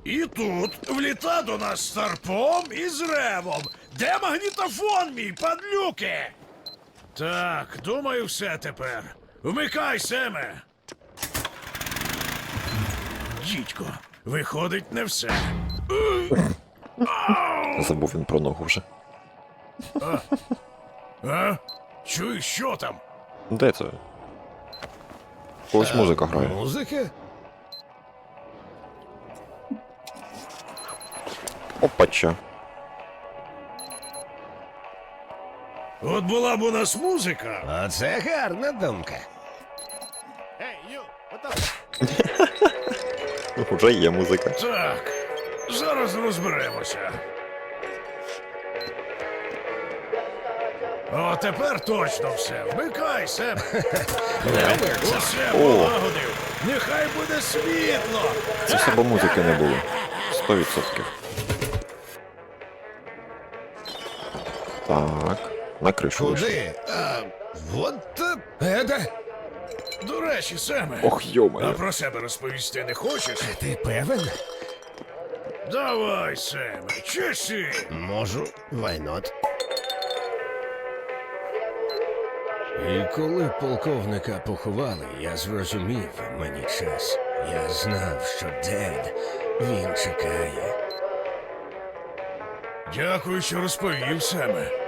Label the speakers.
Speaker 1: І тут вліта до нас з Старпом і з Ревом. Де магнітофон мій, падлюки? Так, думаю, все тепер. Вмикай, Семе. Дідько, виходить, не все.
Speaker 2: Забув він про ногу вже.
Speaker 1: А? Чуєш, що там?
Speaker 2: Де це? Ось музика грає.
Speaker 1: Музика?
Speaker 2: Опача.
Speaker 1: От була б у нас музика.
Speaker 3: Оце гарна думка.
Speaker 2: Уже є музика.
Speaker 1: Так, зараз розберемося. О, тепер точно все. Вмикай, Семе. Усе полагодив. Нехай буде світло.
Speaker 2: Це все бо музики не було. 100%. Так, на кришу вийшли.
Speaker 3: Куди? Вот это.
Speaker 1: До речі, Семе.
Speaker 2: Ох,
Speaker 1: А
Speaker 2: йо-моє.
Speaker 1: про себе розповісти не хочеш?
Speaker 3: Ти певен?
Speaker 1: Давай, Семе, чеши.
Speaker 3: Можу, why not? І коли полковника поховали, я зрозумів, мені час. Я знав, що Дед, він чекає.
Speaker 1: Дякую, що розповів, Семе.